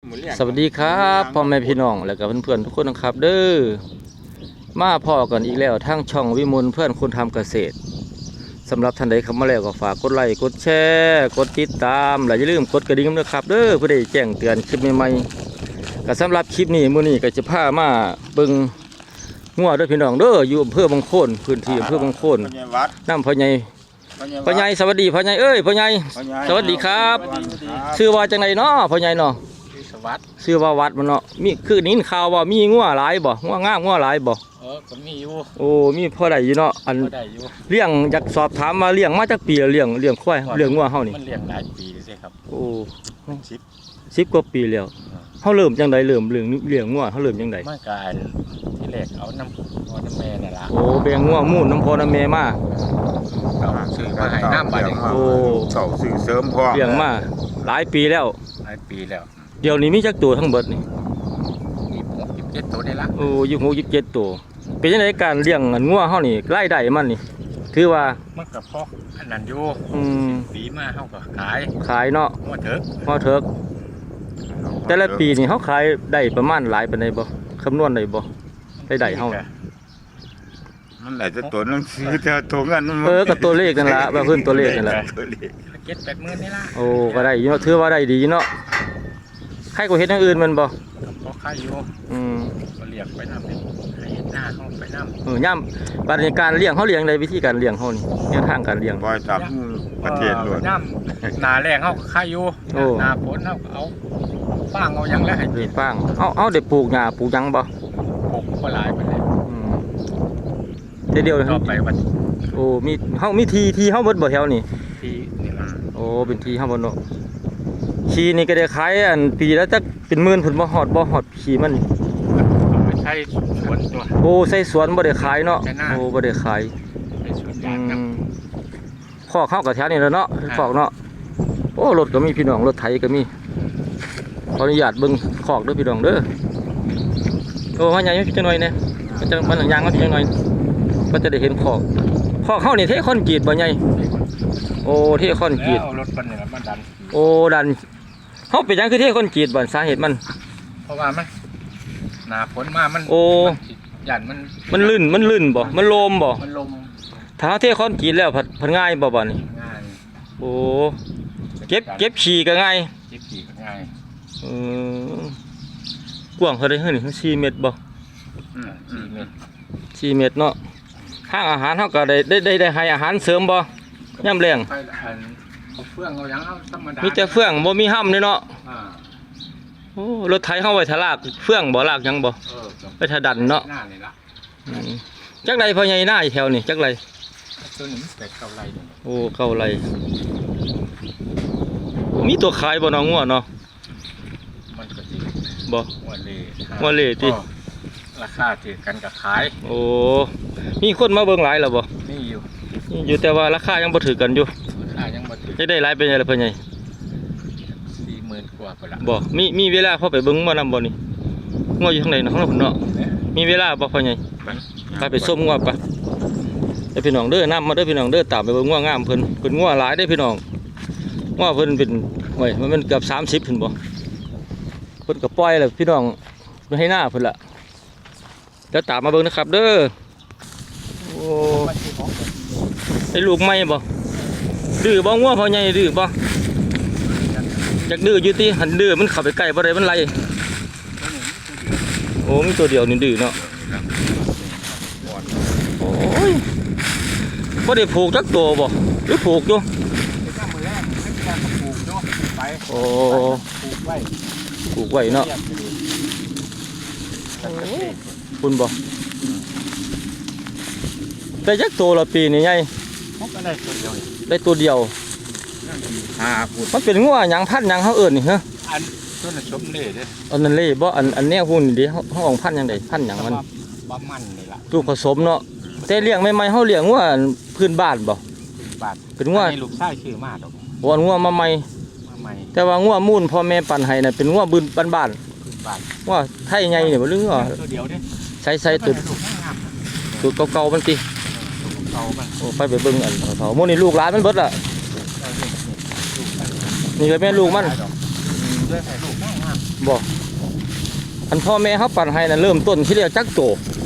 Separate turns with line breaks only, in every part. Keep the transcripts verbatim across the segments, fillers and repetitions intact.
สวัสดีครับพ่อแม่พี่น้องและกับเพื่อนๆทุกคนนะครับเด้อมาพ่อกันอีกแล้วทั้งช่องวิมลเพื่อนคนทำเกษตรสำหรับท่านใดเข้ามาแล้วก็ฝากกดไลค์กดแชร์กดติดตามและอย่าลืมกดกระดิ่งด้วยครับเด้อเพื่อได้แจ้งเตือนคลิปใหม่ๆก็สำหรับคลิปนี้มื้อนี้ก็จะพามาเบิ่งงัวด้วยพี่น้องเด้ออยู่อำเภอบางโคนพื้นที่อำเภอบางโคนน้ำพ่อใหญ่พ่อใหญ่สวัสดีพ่อใหญ่เอ้ยพ่อใหญ่สวัสดีครับชื่อว่าจังไดเนาะพ่อใหญ่เนาะชื่อว่าวัดมันเนาะมีคือนี้ข่าวว่ามีงัวหลายบ่งัวงามงัวหลายบ่
เออก็มีอยู่
โอ้มีพอได้อยู่เนาะอันเลี้ยงอยากสอบถามมาเลี้ยงมาจากปีเลี้ยงเลี้ยงควายเลี้ยงงัวเฮานี่
มันเลี้ยงหลายปีใช่ครับ
โอ้สิบ สิบกว่าปีแล้วเฮาเริ่มจังไดเริ่มเลี้ยงเลี้ยงงัวเฮาเริ่มจังได
มาการที่แรกเอาน้ำพ่อน้ำแม่นั่นล่ะ
โอ้แบ่งงัวมูนน้ำพ่อน้ำแม่มา
เอาซื้อมาให้น้ำบัดนี้
โอ้
เสาซื้อเสริมพ่อ
เลี้ยงมาหลายปีแล้ว
หลายปีแล้ว
เดี๋ยวนี้มีจักตัวทั้งเบิดนี่
ยี่สิบหก ยี่สิบเจ็ดตัวได้ละ
โอ้ยี่สิบหก ยี่สิบเจ็ดตัวเป็นจังไดการเลี้ยงงัวเฮานี่รายได้มันนี่ถือว่า
มันก็พออันนั้นอยู่
อืม
ปีมาเฮาก็ขาย
ขายเนาะ
งัวเถิก
งัวเถิกแต่ละปีนี่เฮาขายได้ประมาณหลายปานใดบ่คำนวณได้บ่ได้ได้เฮา
มันหลายจะตัวนึงซื้อแต่ตัวเงิน
เออกับตัวเลขนั่นล่ะว่าเพิ่นตัวเลขนั่นล่ะ
เจ็ด แปดหมื่นนี่ล่ะ
โอ้ก็ได้อยู่เนาะถือว่าได้ดีเนาะใครก็เฮ็ดอย่างอื่นมันบ่
พอขายอยู่
อืม
ก็เลี้ยงไปนำให้เฮ็ดหน้าเฮาไปนำ
เออย่ำบัดนี้การเลี้ยงเฮาเลี้ยงได้วิธีการเลี้ยงเฮานี่แนวทางการเลี้ยง
ปล่อยตามประเทศล้วน
น้ำหน้าแรงเฮาขายอยู่หน้าฝนเฮาเอาฟางเอาหยังแล้วให้กิน
ฟางเฮาเฮาได้ปลูกหญ้าปลูกหยังบ่
ปลูกบ่หลายปานใด
อืมแต่เดียว
ต่อไปวัน
โอ้มีเฮามีทีทีเฮาเบิดบ่แถวนี่
ทีนี่ล่ะ
โอ้เป็นทีเฮาบ่เนาะขี้นี่ก็ได้ขายอันปีแล้วจักเป็นหมื่นพุ่นบ่ฮอดบ่ฮอดขี้มัน
เอาไปใช้สวนตัว
โอ้ใส่สวนบ่ได้ขายเนาะโอ้บ่ได้ขาย
ไปสวนยางครับ
คอกเฮาก็แถวนี้แล้วเนาะคอกเนาะโอ้รถก็มีพี่น้องรถไถก็มีขออนุญาตเบิ่งคอกเด้อพี่น้องเด้อโอ้มาใหญ่จังหน่อยเนี่ยมันจังมันยางมันจังหน่อยก็จะได้เห็นคอกคอกเฮานี่เทคอนกรีตบ่ใหญ่โอ้เทคอนกรีต
รถมันนี่ล่ะมันดัน
โอ้ดันเฮาเป็นหยังคือเทคอนกรีตบ่สาเหตุมัน
เพราะว่ามันหน้าฝนมามัน
โอ้
ยันมัน
มันลื่นมันลื่นบ่มันลมบ่
มันลม
ถ้าเทคอนกรีตแล้วผัดผัดง่ายบ่บ่นี่
ง่าย
โอ้เก็บเก็บฉี่ก็ง่าย
เก็บฉี่ก็ง่าย
เออกว้างเท่าใดเฮ้ยนี่สี่เมตรบ่
อืมสี่เมตร
สี่เมตรเนาะห้างอาหารเฮาก็ได้ได้ได้ได้ให้อาหารเสริมบ่ยามแลง
เอาเฟืองเอาหยังเอาธรรมดา
มีแต่เฟืองบ่มีห้ำเลยเนาะ
อ่า
โอ้รถไถเฮาไว้ทะลากเฟืองบ่ลากหยังบ่
เออ
ไปทะดันเนาะ
หน้านี่ล่ะ
อืมจักไรพ่อใหญ่หน้าแถวนี่จักไร
ตัวนี้เป็ดเก่าไรนี่
โอ้เก่าไรมีตัวขายบ่น้องงัวเนาะ
มันก็สิ
บ่
งัวเล่
งัวเล่ติ
ราคาถือกันกับขาย
โอ้มีคนมาเบิ่งหลายแล้วบ่
มีอยู่
มีอยู่แต่ว่าราคายังบ่ถือกันอยู่
ราคายังบ่ถือ
จะได้หลายเป็นไงล่ะพ่อใหญ่
สี่หมื่น กว่าพุ่นล่ะ
บ่มีมีเวลาพอไปเบิ่งบ่นำบ่นี่งัวอยู่ทางไหนเนาะข้างพุ่นเนาะมีเวลาบ่พ่อใหญ่ไปไปส้มงัวปะไอ้พี่น้องเด้อนำมาเด้อพี่น้องเด้อตามไปเบิ่งงัวงามเพิ่นเพิ่นงัวหลายเด้อพี่น้องงัวเพิ่นเป็นโอ้ยมันเป็นเกือบสามสิบพุ่นบ่เพิ่นก็ปล่อยแล้วพี่น้องเพิ่นให้หน้าเพิ่นล่ะเดี๋ยวตามมาเบิ่งนะครับเด้อโอ้ไอ้ลูกใหม่บ่ดื้อบ่งัวพ่อใหญ่ดื้อบ่อยากดื้ออยู่ติหันดื้อมันเข้าไปใกล้บ่ได้มันไล่โอ้มีตัวเดียวนี่ดื้อเนาะโอ้ยบ่ได้ผูกจักตัวบ่หรือผูกอยู่โอ้ผูกไว้ผูกไว้เนาะคุณบ่ได้จักตัวละปีนี่ไง
ได้ตัวเดียว
ได้ตัวเดียว
ห้าพุ่น
มันเป็นงัวหยังพันหยังเฮาเอิ้นนี่ฮะ
อันต้นน่ะชมเล่เด้อ
อันนั้นเล่บ่อันอันแนวหุ่นนี่ดิเฮาของพันหยังได้พันหยังมัน
บ่มันนี่ล่ะ
ลูกผสมเนาะแต่เลี้ยงใหม่ๆเฮาเลี้ยงงัวพื้นบ้านบ่
บ้าน
เป็นงัว
ลูกชายชื่อมาดอก
บ่งัวมาใหม่
มาใหม่
แต่ว่างัวมูลพ่อแม่ปั่นให้น่ะเป็นงัวบึนบ้านบ้านงัวไทยใหญ่นี่บ่หรืองัว
ตัวเดียวเด้
ใส่ๆตัวตัวเก่าๆมันติโอ้ไปไปเบิ่งอันเขาโมนี่ลูกหลานมันเบิดล่ะนี่ก็แม่ลูกมันบบ่อันพ่อแม่เขาปั่นให้น่ะเริ่มต้นที่เรียกจักโต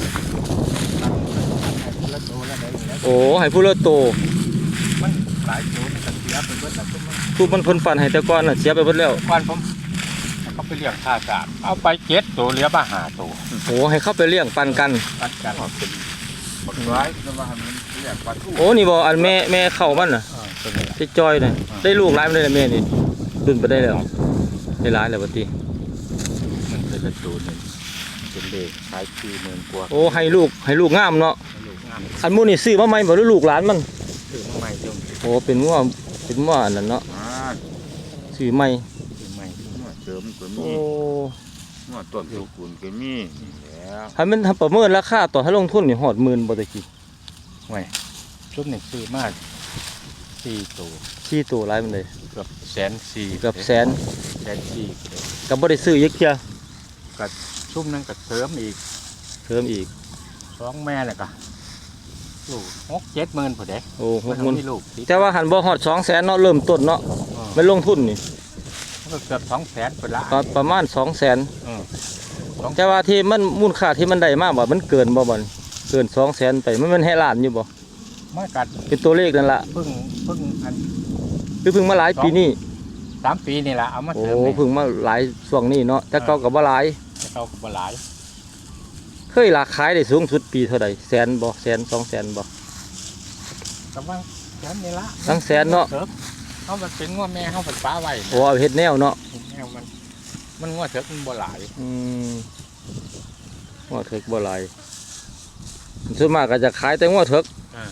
แล้วโตแล้วได้แล้ว
โอ้ให้ผู้ละโต
มันหลายโตมันก็เสียไปเบิดแล้วทุกมัน
ทุกมันเพิ่นปั่นให้แต่ก่อนน่ะเสียไปเบิดแล้ว
ก่อนผมเขาไปเลี้ยงท่าสามเอาไปเจ็ดตัวเหลือมาหาตัว
โอ้ให้เข้าไปเลี้ยงปั่นกัน
ปันกัน
เป็นบักร้ายแต่ว่ามันเรียกปลาทู
โอ้นี่บ่อันแม่แม่เข้ามันน่ะ
เออตัวนี้แหละ
ที่จอยน่ะได้ลูกหลายมันได้แล้วแม่นี่ดุนไปได้แล้วได้หลายแล้วบัดนี้
มันเป็นละตัวหนึงเป็นเลขขายสี่หมื่นกว่า
โอ้ให้ลูกให้ลูกงามเนาะ
ลูกงาม
อันหมู่นี่ซื้อมาใหม่บ่หรือลูกหลานมัน
ซื้อมาใหม่จุ่ม
โอ้เป็นงัวเป็นงัวอันนั้นเนาะ
อ่า
ซื้อใหม่
ซื้อใหม่
หัวเสริมก็
โอ้
มีหัวต้นสุกุลก็มีนี่แล้ว
ถ้ามันทำประเมินราคาต่อให้ลงทุนนี่ฮอดหมื่นบ่ตะกี้
ไว้ชุดหนึ่งซื้อมาสี่ตัว
สี่ตัวหลายมันเลย
เกือบแสนสี่
เกือบแสน
แสนสี่
ก็บ่ได้ซื้ออีกเที่ย
กับชุ่มนั่นกับเสริมอีก
เพิ่มอีก
สองแม่เลยกะลูกหกเจ็ดหมื่นพอเด็ก
โอ้หกหมื่น
มีลูกติด
แต่ว่าหันบ่ฮอดสองแสนเนาะเริ่มต้นเนาะ
เออ
ไม่ลงทุนนี่
มันก็เกือบสองแสนไปละ
ก็ประมาณสองแสน
เออสอง
แต่ว่าที่มันมูลค่าที่มันได้มากบ่มันเกินบ่บ่นี่เกินสองแสนไปมันมันให้ล้านอยู่บ่
มากัด
เป็นตัวเลขนั่นล่ะ
เพิ่งเพิ่งอัน
คือเพิ่งมาหลายปีนี้
สามปีนี่แหละเอามา
โอ้
เสริมนี่
เพิ่งมาหลายช่วงนี้เนาะแต่เก่าก็บ่หลาย
จะเข้ากับบหลาย
เคยราคายได้สูงสุดปีเท่าใดแสนบ่แสนสองแสนบ่
กำลังแสนนี่ละ
ตั้งแสนเนาะ
สริมเขามันเป็นง้อแม่เขาเป็นป้าไว้
โอ้เอาเฮ็ดแนวเนาะ
แม่มันมันง้อเถิกมันบ่หลาย
อืมงัวเถิกบ่หลายส่วนมากก็จะขายแต่งัวเถิก
เออ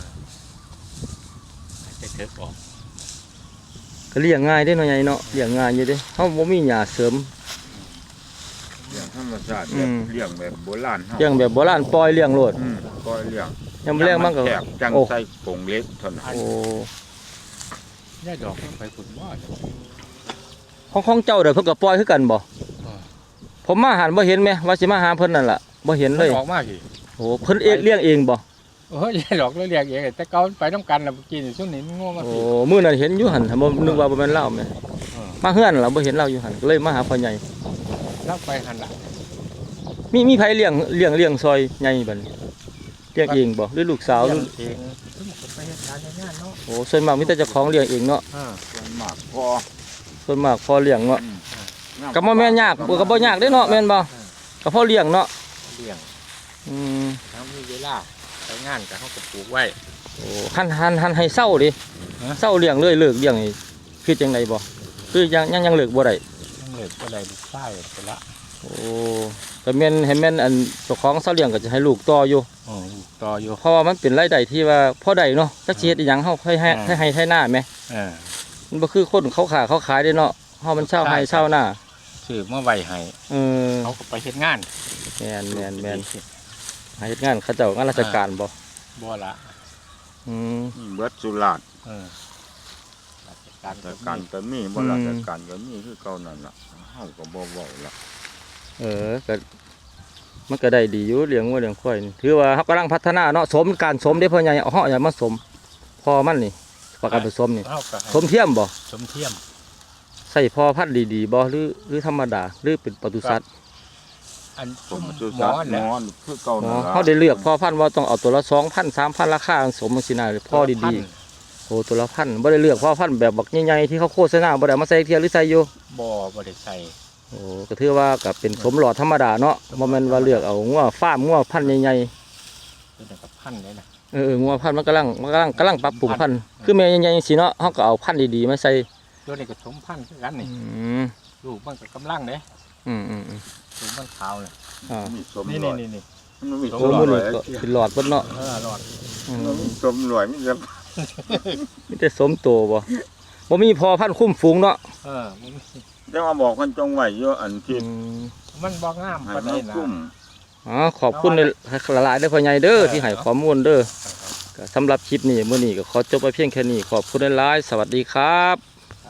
จะเถิกออก
ก็เลี้ยงง่ายเด้เนาะใหญ่เนาะเลี้ยงง่ายอยู่เด้เฮาบ่มีหญ้าเสริม
เลี้ยงธรรมชาติ
อื
แบบ
ม
เลี้ยงแบบโบราณเฮา
เลี้ยงแบบโบราณปล่อยเลี้ยงโลด
อืมก็เลี้ยง
ยามแรงมันก็
แคบจัง
โอ้
ใส่กรงเล็กเท่านั้น
โอ้
ได้ดอกมันไปขุดว่า
ของของเจ้าเด้อเพิ่นก็ปล่อยคือกันบ่
อ่า
ผมมาหาบ่เห็นแม่ว่าสิมาหาเพิ่นนั่นล่ะบ่เห็นเลย
ออกมากอีก
โอ้เพิ่นเองเลี้ยงเองบ่
โอ้ยได้ดอกแล้วเรียกเองแต่เก่าไปน้ำกันแล้วกินช่วงนี้มันง่วงมา
โอ้
สิ
มื้อนั้นเห็นอยู่หั่นบ่นึกว่าบ่แม่นเล่าแม่
เออ
มาเฮือนล่ะบ่เห็นเล่าอยู่หั่นก็เลยมาหาพ่อใหญ่
แล้วไปหันละ
มีมีไผเลี้ยงเลี้ยงเลี้ยงซอยใหญ่บัดนี้เลี้ยงเองบ่หรือลูกสาวหรือ
เองไปเฮ็ดการงานเนาะ
โอ้ส่วนมากมีแต่เจ้าของเลี้ยงเองเนาะ
เออ
ส่วนมากพอ
ส่วนมากพอเลี้ยงเนาะ
อืม
ก็บ่แม่นยากก็บ่ยากเด้เนาะแม่นบ่ก็พอเลี้ยงเนาะ
เลี้ยง
อืม
ถ้ามีเวลาไปงานก็เขาก็ปลูกไว้
โอ้หันหันหันให้เศร้าดิ
ฮะ
เศร้าเลี้ยงเลยเลิกเลี้ยงนี่คือจังไดบ่คือยังยังยังเลิกบ่ได้
ต้องเลิกก็ได้ลูกชายไปละ
โอ้ก็แม่นให้แม่นอันเจ้าของเศร้าเลี้ยงก็จะให้ลูกต่ออยู่
อ๋อต่ออยู่
เพราะว่ามันเป็นรายได้ที่ว่าพอได้เนาะจักสิเฮ็ดอีหยังเฮาให้ให้
อ่า
ให้ให้ให้หน้าแหม
เออ
มันบ่คือคนเขาขาเขาขายได้เนาะเฮามันเช่าให้เช่าหน้า
ซื้อมาไว้ให้
เออ
เขาก็ไปเฮ็ดงาน
แม่นแม่นแม่นให้เฮ็ดงานเขาเจ้างานราชการบ่
บ่ละ
อืม
นี่เบิดสุราษฎร์
เออราชการ
ราชการก็มีบ่
อืม
ราชการก็มีคือเก่านั่นล่ะเฮาก็บ่เว้าละ
เออก็มันก็ได้ดีอยู่เลี้ยงวัวเลี้ยงควายนี่ถือว่าเฮากำลังพัฒนาเนาะสมการสมเด้พ่อใหญ่เอาเฮาอย่ามาสมพอมันนี่ประกันผสมนี่
เขาก็ให้
สมเทียมบ่
สมเทียม
ใส่พอพันธุ์ดีๆบ่หรือหรือธรรมดาหรือเป็นปศุสัตว์
อัน
ผม
ห
สุ
ม
สั
อ
ตว์
แห
หม
ละ
อคือเก่า
อ๋อ
นั่นล่ะ
เฮาได้เลือกพอพันธุ์ว่าต้องเอาตัวละสองพัน สามพันราคาสมจังซี่นะพอดีๆโอ้ตัวละพันบ่ได้เลือกพอพันธุ์แบบบักใหญ่ๆที่เขาโฆษณาบ่ได้เอามาใส่เทียหรือใส่อยู่
บ่บ่ได้ใส่
โอ้ก็ถือว่าก็เป็นสมหลอดธรรมดาเนาะบ่แม่นว่าเลือกเอางัวฟาร์มงัวพันธุ์ใหญ่ๆ
เป็นกับพันเลยนะ
เอองัวพันธุ์มันกำลังมันกำลังกำลังปรับปรุงพันธุ์คือแม่ใหญ่ๆสิเนาะเขาก็เอาพันธุ์ดีๆมาใส่
ตัวนี้ก็สมพันธุ์คือกันนี่
อืม
ลูกมันก็กำลังเด้
อืมอืมอืม
ลูกมันขาวเลย
อ่า
มีสม
นี่
ร
นี่
อย
นี่นี่
มันมี
โอ้
สม
มือ
ร
นี่
อย
ก็เป็นหลอดเบิดเนาะ
เออรอด
อืม
มันมีสมรอยมีแต่
มีแต่สมโตบ่บ่มีพอพันธุ์คุ้มฝูงเนาะ
เออมัน
แต่ว่าบอกกันจงไว้เยอะอันที่
อืม
มันบ่งาม
ให้
ปาน
มั
ใด
น
นะ
คุ้ม
อ๋อขอบคุณหลายๆเด้อพ่อใหญ่เด้อที่ให้ข้อมูลเด้อก็สำหรับคลิปนี้มื้อนี้ก็ขอจบไปเพียงแค่นี้ขอบคุณหลายๆสวัสดีครับ